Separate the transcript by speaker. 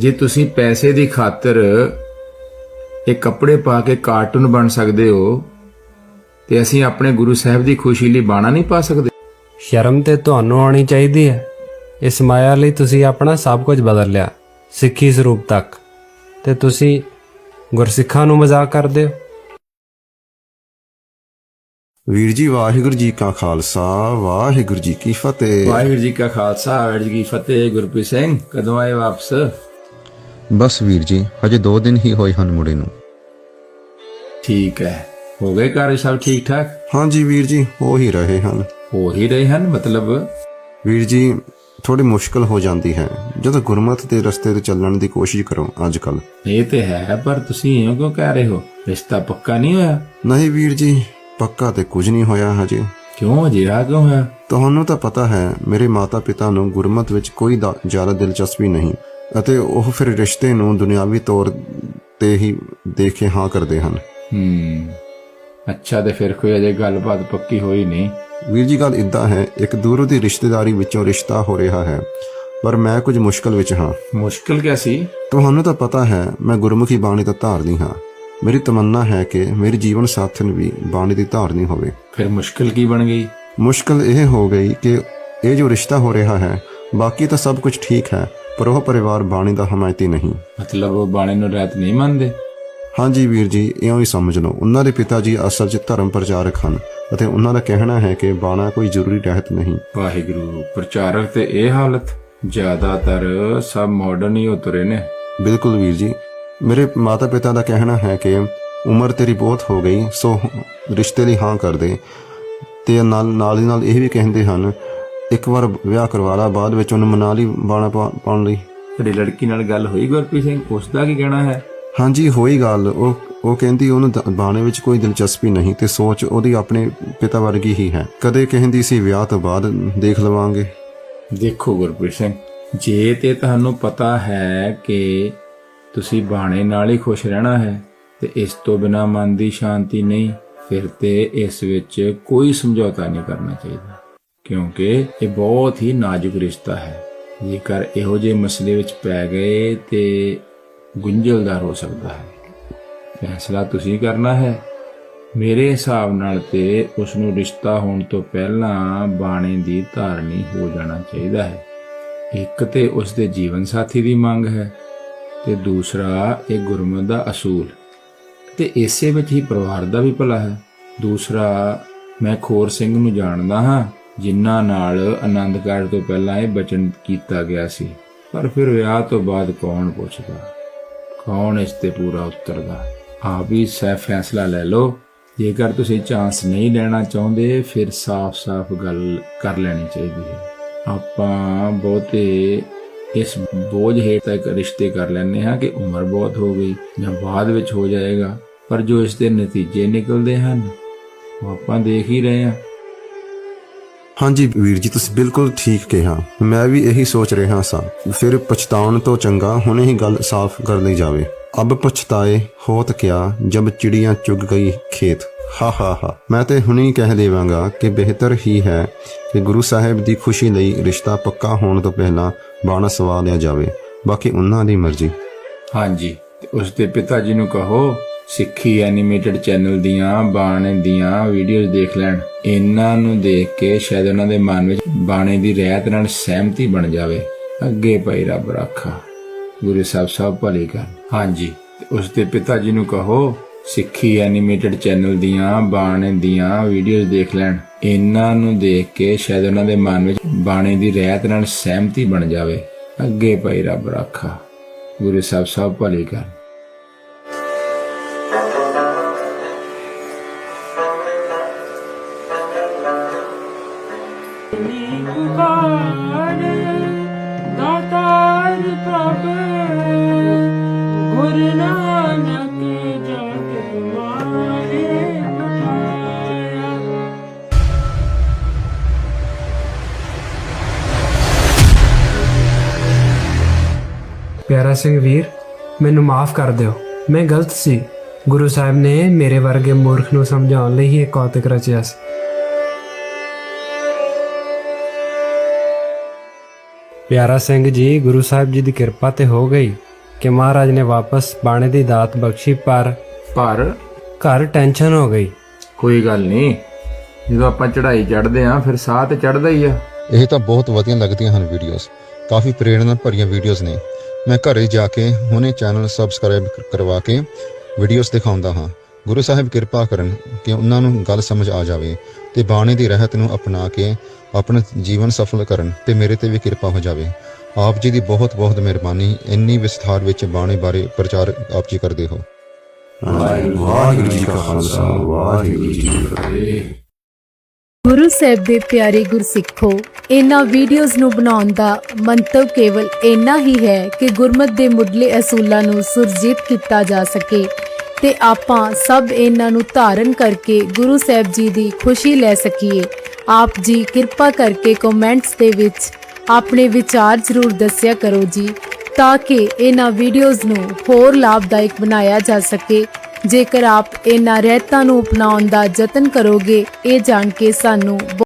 Speaker 1: ਜੇ ਤੁਸੀਂ ਪੈਸੇ ਦੀ ਖਾਤਰ ਇਹ ਕੱਪੜੇ ਪਾ ਕੇ ਕਾਰਟੂਨ ਬਣ ਸਕਦੇ ਹੋ ਤੇ ਅਸੀਂ ਆਪਣੇ ਗੁਰੂ ਸਾਹਿਬ ਦੀ ਖੁਸ਼ੀ ਲਈ ਬਾਣਾ ਨਹੀਂ ਪਾ ਸਕਦੇ?
Speaker 2: ਸ਼ਰਮ ਤੇ ਤੁਹਾਨੂੰ ਆਉਣੀ ਚਾਹੀਦੀ ਹੈ। ਇਸ ਮਾਇਆ ਲਈ ਤੁਸੀਂ ਆਪਣਾ ਸਭ ਕੁਝ ਬਦਲ ਲਿਆ, ਸਿੱਖੀ ਸਰੂਪ ਤੱਕ, ਤੇ ਤੁਸੀਂ ਗੁਰਸਿੱਖਾਂ ਨੂੰ ਮਜ਼ਾਕ ਕਰਦੇ ਹੋ।
Speaker 3: ਵੀਰ ਜੀ, ਵਾਹਿਗੁਰੂ ਜੀ ਕਾ ਖਾਲਸਾ, ਵਾਹਿਗੁਰੂ ਜੀ ਕੀ ਫਤਿਹ।
Speaker 1: ਵਾਹਿਗੁਰੂ ਜੀ ਕਾ ਖਾਲਸਾ, ਵਾਹਿਗੁਰੂ ਜੀ ਕੀ ਫਤਿਹ। ਗੁਰਪ੍ਰੀਤ ਸਿੰਘ, ਕਦੋਂ ਆਏ ਵਾਪਸ?
Speaker 4: ਬਸ ਵੀਰ ਜੀ, ਹਜੇ 2 ਦਿਨ ਹੀ ਹੋਏ ਹਨ ਮੁੜੇ ਨੂੰ।
Speaker 1: ਠੀਕ ਹੈ, ਹੋ ਗਏ ਘਰ ਸਭ ਠੀਕ ਠਾਕ?
Speaker 3: ਹਾਂਜੀ ਵੀਰ ਜੀ, ਹੋ ਹੀ ਰਹੇ ਹਨ।
Speaker 1: ਹੋ ਹੀ ਰਹੇ ਹਨ ਮਤਲਬ?
Speaker 3: ਵੀਰ ਜੀ, ਥੋੜੀ ਮੁਸ਼ਕਲ ਹੋ ਜਾਂਦੀ ਹੈ ਜਦੋਂ ਗੁਰਮਤਿ ਦੇ ਰਸਤੇ ਤੇ ਚੱਲਣ ਦੀ ਕੋਸ਼ਿਸ਼ ਕਰੋ ਅੱਜ ਕੱਲ।
Speaker 1: ਇਹ ਤੇ ਹੈ, ਪਰ ਤੁਸੀਂ ਇਉਂ ਕਿਉਂ ਕਹਿ ਰਹੇ ਹੋ? ਰਿਸ਼ਤਾ ਪੱਕਾ ਨਹੀਂ ਹੋਇਆ?
Speaker 3: ਨਹੀਂ ਵੀਰ ਜੀ, ਪੱਕਾ ਤੇ ਕੁਝ ਨਹੀਂ ਹੋਇਆ ਹਜੇ।
Speaker 1: ਕਿਉਂ ਅਜਿਹਾ ਕਿਉਂ ਹੋਇਆ?
Speaker 3: ਤੁਹਾਨੂੰ ਤਾਂ ਪਤਾ ਹੈ ਮੇਰੇ ਮਾਤਾ ਪਿਤਾ ਨੂੰ ਗੁਰਮਤਿ ਵਿੱਚ ਕੋਈ ਜ਼ਿਆਦਾ ਦਿਲਚਸਪੀ ਨਹੀਂ ਅਤੇ ਉਹ ਫਿਰ ਰਿਸ਼ਤੇ ਨੂੰ ਦੁਨਿਆਵੀ ਤੌਰ ਤੇ ਹੀ ਦੇਖ ਕੇ ਹਾਂ ਕਰਦੇ ਹਨ।
Speaker 1: ਅੱਛਾ, ਤੇ ਫਿਰ ਕੋਈ ਅਜੇ ਗੱਲਬਾਤ ਪੱਕੀ ਹੋਈ ਨਹੀਂ?
Speaker 3: ਵੀਰ ਜੀ, ਗੱਲ ਇਦਾਂ ਹੈ, ਇੱਕ ਦੂਰੋਂ ਦੀ ਰਿਸ਼ਤੇਦਾਰੀ ਵਿੱਚੋਂ ਰਿਸ਼ਤਾ ਹੋ ਰਿਹਾ ਹੈ, ਪਰ ਮੈਂ ਕੁਝ ਮੁਸ਼ਕਲ ਵਿੱਚ ਹਾਂ।
Speaker 1: ਮੁਸ਼ਕਲ ਕਿਆ ਸੀ?
Speaker 3: ਤੁਹਾਨੂੰ ਤਾਂ ਪਤਾ ਹੈ ਮੈਂ ਗੁਰਮੁਖੀ ਬਾਣੀ ਦਾ ਧਾਰਨੀ ਹਾਂ। ਮੇਰੀ ਤਮੰਨਾ ਹੈ ਕਿ ਮੇਰੀ ਜੀਵਨ ਸਾਥਣ ਵੀ ਬਾਣੀ ਦੀ ਧਾਰਨੀ ਹੋਵੇ।
Speaker 1: ਫਿਰ ਮੁਸ਼ਕਲ ਕੀ ਬਣ ਗਈ?
Speaker 3: ਮੁਸ਼ਕਲ ਇਹ ਹੋ ਗਈ ਕਿ ਇਹ ਜੋ ਰਿਸ਼ਤਾ ਹੋ ਰਿਹਾ ਹੈ, ਬਾਕੀ ਤਾਂ ਸਭ ਕੁਝ ਠੀਕ ਹੈ, ਪਰ ਉਹ ਪਰਿਵਾਰ ਬਾਣੀ ਦਾ ਹਮਾਇਤੀ ਨਹੀਂ।
Speaker 1: ਮਤਲਬ ਉਹ ਬਾਣੀ ਨੂੰ ਰਹਿਤ ਨਹੀਂ ਮੰਨਦੇ?
Speaker 3: ਹਾਂਜੀ ਵੀਰ ਜੀ, ਇਉਂ ਹੀ ਸਮਝ ਲਓ। ਉਹਨਾਂ ਦੇ ਪਿਤਾ ਜੀ ਅਸਲ 'ਚ ਧਰਮ ਪ੍ਰਚਾਰਕ ਹਨ ਅਤੇ ਉਹਨਾਂ ਦਾ ਕਹਿਣਾ ਹੈ ਕਿ ਬਾਣਾ ਕੋਈ ਜ਼ਰੂਰੀ ਰਹਿਤ ਨਹੀਂ।
Speaker 1: ਵਾਹਿਗੁਰੂ, ਪ੍ਰਚਾਰਕ ਤੇ ਇਹ ਹਾਲਤ? ਜ਼ਿਆਦਾਤਰ ਸਭ ਮਾਡਰਨ ਹੀ ਉਤਰੇ ਨੇ।
Speaker 3: ਬਿਲਕੁਲ ਵੀਰ ਜੀ, ਮੇਰੇ ਮਾਤਾ ਪਿਤਾ ਦਾ ਕਹਿਣਾ ਹੈ ਕਿ ਉਮਰ ਤੇਰੀ ਬਹੁਤ ਹੋ ਗਈ, ਸੋ ਰਿਸ਼ਤੇ ਲਈ ਹਾਂ ਕਰ ਦੇ, ਤੇ ਨਾਲ ਦੀ ਨਾਲ ਇਹ ਵੀ ਕਹਿੰਦੇ ਹਨ ਇੱਕ ਵਾਰ ਵਿਆਹ ਕਰਵਾ ਲਾ, ਬਾਅਦ ਵਿੱਚ ਉਹਨੂੰ ਮਨਾ ਲਈ ਬਾਣਾ ਪਾਉਣ ਲਈ।
Speaker 1: ਤੁਹਾਡੀ ਲੜਕੀ ਨਾਲ ਗੱਲ ਹੋਈ ਗੁਰਪ੍ਰੀਤ ਸਿੰਘ? ਉਸ ਦਾ ਕੀ ਕਹਿਣਾ ਹੈ?
Speaker 3: ਹਾਂਜੀ ਹੋਈ ਗੱਲ। ਉਹ ਕਹਿੰਦੀ ਉਹਨੂੰ ਬਾਣੇ ਵਿੱਚ ਕੋਈ ਦਿਲਚਸਪੀ ਨਹੀਂ ਤੇ ਸੋਚ ਉਹਦੀ ਆਪਣੇ ਪਿਤਾ ਵਰਗੀ ਹੀ ਹੈ। ਕਦੇ ਕਹਿੰਦੀ ਸੀ ਵਿਆਹ ਤੋਂ ਬਾਅਦ ਦੇਖ ਲਵਾਂਗੇ।
Speaker 1: ਦੇਖੋ ਗੁਰਪ੍ਰੀਤ ਸਿੰਘ, ਜੇ ਤੇ ਤੁਹਾਨੂੰ ਪਤਾ ਹੈ ਕਿ ਤੁਸੀਂ ਬਾਣੇ ਨਾਲ ਹੀ ਖੁਸ਼ ਰਹਿਣਾ ਹੈ ਤੇ ਇਸ ਤੋਂ ਬਿਨਾਂ ਮਨ ਦੀ ਸ਼ਾਂਤੀ ਨਹੀਂ, ਫਿਰ ਤੇ ਇਸ ਵਿੱਚ ਕੋਈ ਸਮਝੌਤਾ ਨਹੀਂ ਕਰਨਾ ਚਾਹੀਦਾ, ਕਿਉਂਕਿ ਇਹ ਬਹੁਤ ਹੀ ਨਾਜ਼ੁਕ ਰਿਸ਼ਤਾ ਹੈ। ਜੇਕਰ ਇਹੋ ਜਿਹੇ ਮਸਲੇ ਵਿੱਚ ਪੈ ਗਏ ਤੇ ਗੁੰਝਲਦਾਰ ਹੋ ਸਕਦਾ ਹੈ। ਫੈਸਲਾ ਤੁਸੀਂ ਕਰਨਾ ਹੈ। ਮੇਰੇ ਹਿਸਾਬ ਨਾਲ ਤੇ ਉਸ ਨੂੰ ਰਿਸ਼ਤਾ ਹੋਣ ਤੋਂ ਪਹਿਲਾਂ ਬਾਣੇ ਦੀ ਧਾਰਨੀ ਹੋ ਜਾਣਾ ਚਾਹੀਦਾ ਹੈ। ਇੱਕ ਤੇ ਉਸ ਦੇ ਜੀਵਨ ਸਾਥੀ ਦੀ ਮੰਗ ਹੈ ਤੇ ਦੂਸਰਾ ਇਹ ਗੁਰਮਤਿ ਦਾ ਅਸੂਲ, ਤੇ ਇਸੇ ਵਿੱਚ ਹੀ ਪਰਿਵਾਰ ਦਾ ਵੀ ਭਲਾ ਹੈ। ਦੂਸਰਾ, ਮੈਂ ਖੋਰ ਸਿੰਘ ਨੂੰ ਜਾਣਦਾ ਹਾਂ ਜਿਨ੍ਹਾਂ ਨਾਲ ਆਨੰਦ ਕਾਰਜ ਤੋਂ ਪਹਿਲਾਂ ਇਹ ਬਚਨ ਕੀਤਾ ਗਿਆ ਸੀ, ਪਰ ਫਿਰ ਵਿਆਹ ਤੋਂ ਬਾਅਦ ਕੌਣ ਪੁੱਛਦਾ, ਕੌਣ ਇਸ ਤੇ ਪੂਰਾ ਉਤਰਦਾ? ਆਪ ਹੀ ਫੈਸਲਾ ਲੈ ਲਓ। ਜੇਕਰ ਤੁਸੀਂ ਚਾਂਸ ਨਹੀਂ ਲੈਣਾ ਚਾਹੁੰਦੇ, ਫਿਰ ਸਾਫ਼-ਸਾਫ਼ ਗੱਲ ਕਰ ਲੈਣੀ ਚਾਹੀਦੀ ਹੈ। ਆਪਾਂ ਬਹੁਤੇ ਇਸ ਬੋਝ ਹੇਠ ਤੱਕ ਰਿਸ਼ਤੇ ਕਰ ਲੈਂਦੇ ਹਾਂ ਕਿ ਉਮਰ ਬਹੁਤ ਹੋ ਗਈ ਜਾਂ ਬਾਅਦ ਵਿੱਚ ਹੋ ਜਾਏਗਾ, ਪਰ ਜੋ ਇਸ ਦੇ ਨਤੀਜੇ ਨਿਕਲਦੇ ਹਨ ਉਹ ਆਪਾਂ ਦੇਖ ਹੀ ਰਹੇ ਹਾਂ।
Speaker 3: ਹਾਂਜੀ ਵੀਰ ਜੀ, ਤੁਸੀਂ ਬਿਲਕੁਲ ਠੀਕ ਕਿਹਾ। ਮੈਂ ਵੀ ਇਹੀ ਸੋਚ ਰਿਹਾ ਸਾਂ। ਫਿਰ ਪਛਤਾਉਣ ਤੋਂ ਚੰਗਾ ਹੁਣੇ ਹੀ ਗੱਲ ਸਾਫ਼ ਕਰ ਲਈ ਜਾਵੇ। ਅਬ ਪਛਤਾਏ ਹੋਤ ਕਿਆ ਜਬ ਚਿੜੀਆਂ ਚੁਗ ਗਈ ਖੇਤ। ਹਾ। ਮੈਂ ਤੇ ਹੁਣੇ ਹੀ ਕਹਿ ਦੇਵਾਂਗਾ ਕਿ ਬਿਹਤਰ ਹੀ ਹੈ ਕਿ ਗੁਰੂ ਸਾਹਿਬ ਦੀ ਖੁਸ਼ੀ ਲਈ ਰਿਸ਼ਤਾ ਪੱਕਾ ਹੋਣ ਤੋਂ ਪਹਿਲਾਂ ਬਾਣਾ ਸਵਾ ਲਿਆ ਜਾਵੇ, ਬਾਕੀ ਉਹਨਾਂ ਦੀ ਮਰਜ਼ੀ। ਹਾਂਜੀ,
Speaker 1: ਤੇ ਉਸ ਦੇ ਪਿਤਾ ਜੀ ਨੂੰ ਕਹੋ ਸਿੱਖੀ ਐਨੀਮੇਟਡ ਚੈਨਲ ਦੀਆਂ ਬਾਣੇ ਦੀਆਂ ਵੀਡੀਓਜ਼ ਦੇਖ ਲੈਣ। ਇਹਨਾਂ ਨੂੰ ਦੇਖ ਕੇ ਸ਼ਾਇਦ ਉਹਨਾਂ ਦੇ ਮਨ ਵਿੱਚ ਬਾਣੇ ਦੀ ਰਹਿਤ ਨਾਲ ਸਹਿਮਤੀ ਬਣ ਜਾਵੇ। ਅੱਗੇ ਪਈ ਰੱਬ ਰਾਖਾ, ਗੁਰੂ ਸਾਹਿਬ ਸਭ ਭਲੀ ਕਰ। ਹਾਂਜੀ, ਤੇ ਉਸ ਦੇ ਪਿਤਾ ਜੀ ਨੂੰ ਕਹੋ ਸਿੱਖੀ ਐਨੀਮੇਟਡ ਚੈਨਲ ਦੀਆਂ ਬਾਣੇ ਦੀਆਂ ਵੀਡੀਓਜ਼ ਦੇਖ ਲੈਣ। ਇਹਨਾਂ ਨੂੰ ਦੇਖ ਕੇ ਸ਼ਾਇਦ ਉਹਨਾਂ ਦੇ ਮਨ ਵਿੱਚ ਬਾਣੇ ਦੀ ਰਹਿਤ ਨਾਲ ਸਹਿਮਤੀ ਬਣ ਜਾਵੇ। ਅੱਗੇ ਪਈ ਰੱਬ ਰਾਖਾ, ਗੁਰੂ ਸਾਹਿਬ ਸਭ ਭਲੀ ਕਰ।
Speaker 5: दातार प्रभ गुरु नानक जग मारे पठाया।
Speaker 2: ਪਿਆਰਾ ਸਿੰਘ ਵੀਰ, ਮੈਨੂੰ ਮਾਫ ਕਰ ਦਿਓ, ਮੈਂ ਗਲਤ ਸੀ। ਗੁਰੂ ਸਾਹਿਬ ਨੇ ਮੇਰੇ ਵਰਗੇ ਮੂਰਖ ਨੂੰ ਸਮਝਾਉਣ ਲਈ ਹੀ ਇਹ ਕੌਤਕ ਰਚਿਆ ਸੀ। ਪਿਆਰਾ ਸਿੰਘ ਜੀ, ਗੁਰੂ ਸਾਹਿਬ ਜੀ ਦੀ ਕਿਰਪਾ ਤੇ ਹੋ ਗਈ, ਕਿ ਮਹਾਰਾਜ ਨੇ ਵਾਪਸ ਬਾਣੇ ਦੀ ਦਾਤ ਬਖਸ਼ੀ, ਪਰ
Speaker 1: ਪਰ
Speaker 2: ਘਰ ਟੈਨਸ਼ਨ ਹੋ ਗਈ।
Speaker 1: ਕੋਈ ਗੱਲ ਨਹੀਂ, ਜਦੋਂ ਆਪਾਂ ਚੜ੍ਹਾਈ ਚੜ੍ਹਦੇ ਆਂ ਫਿਰ ਸਾਹ ਤੇ ਚੜ੍ਹਦਾ ਹੀ ਆ।
Speaker 4: ਇਹ ਤਾਂ ਬਹੁਤ ਵਧੀਆ ਲੱਗਦੀਆਂ ਹਨ ਵੀਡੀਓਜ਼, ਕਾਫੀ ਪ੍ਰੇਰਣਾ ਭਰੀਆਂ ਵੀਡੀਓਜ਼ ਨੇ। ਮੈਂ ਘਰੇ ਜਾ ਕੇ ਹੁਣੇ ਚੈਨਲ ਸਬਸਕ੍ਰਾਈਬ ਕਰਵਾ ਕੇ ਵੀਡੀਓਜ਼ ਦਿਖਾਉਂਦਾ ਹਾਂ। ਗੁਰੂ ਸਾਹਿਬ ਕਿਰਪਾ ਕਰਨ ਕਿ ਉਹਨਾਂ ਨੂੰ ਗੱਲ ਸਮਝ ਆ ਜਾਵੇ ਤੇ ਬਾਣੇ ਦੀ ਰਹਿਤ ਨੂੰ ਅਪਣਾ ਕੇ ਆਪਣਾ ਜੀਵਨ ਸਫਲ ਕਰਨ ਤੇ ਮੇਰੇ ਤੇ ਵੀ ਕਿਰਪਾ ਹੋ ਜਾਵੇ। ਆਪ ਜੀ ਦੀ ਬਹੁਤ ਬਹੁਤ ਮਿਹਰਬਾਨੀ, ਇੰਨੀ ਵਿਸਥਾਰ ਵਿੱਚ ਬਾਣੇ ਬਾਰੇ ਪ੍ਰਚਾਰ ਆਪ ਜੀ ਕਰਦੇ ਹੋ।
Speaker 3: ਵਾਹਿਗੁਰੂ ਜੀ ਕਾ ਖਾਲਸਾ, ਵਾਹਿਗੁਰੂ ਜੀ ਕੀ ਫਤਿਹ।
Speaker 6: ਗੁਰੂ ਸਾਹਿਬ ਦੇ ਪਿਆਰੇ ਗੁਰਸਿੱਖੋ, ਇਹਨਾਂ ਵੀਡੀਓਜ਼ ਨੂੰ ਬਣਾਉਣ ਦਾ ਮੰਤਵ ਕੇਵਲ ਇੰਨਾ ਹੀ ਹੈ ਕਿ ਗੁਰਮਤ ਦੇ ਮੁੱਢਲੇ ਅਸੂਲਾਂ ਨੂੰ ਸੁਰਜੀਤ ਕੀਤਾ ਜਾ ਸਕੇ ਤੇ ਆਪਾਂ ਸਭ ਇਹਨਾਂ ਨੂੰ ਧਾਰਨ ਕਰਕੇ ਗੁਰੂ ਸਾਹਿਬ ਜੀ ਦੀ ਖੁਸ਼ੀ ਲੈ ਸਕੀਏ। ਆਪ ਜੀ ਕਿਰਪਾ ਕਰਕੇ ਕਮੈਂਟਸ ਦੇ ਵਿੱਚ ਆਪਣੇ ਵਿਚਾਰ ਜ਼ਰੂਰ ਦੱਸਿਆ ਕਰੋ ਜੀ, ਤਾਂ ਕਿ ਇਹਨਾਂ ਵੀਡੀਓਜ਼ ਨੂੰ ਹੋਰ ਲਾਭਦਾਇਕ ਬਣਾਇਆ ਜਾ ਸਕੇ। ਜੇਕਰ ਆਪ ਇਹਨਾਂ ਰਹਿਤਾਂ ਨੂੰ ਅਪਣਾਉਣ ਦਾ ਯਤਨ ਕਰੋਗੇ, ਇਹ ਜਾਣ ਕੇ ਸਾਨੂੰ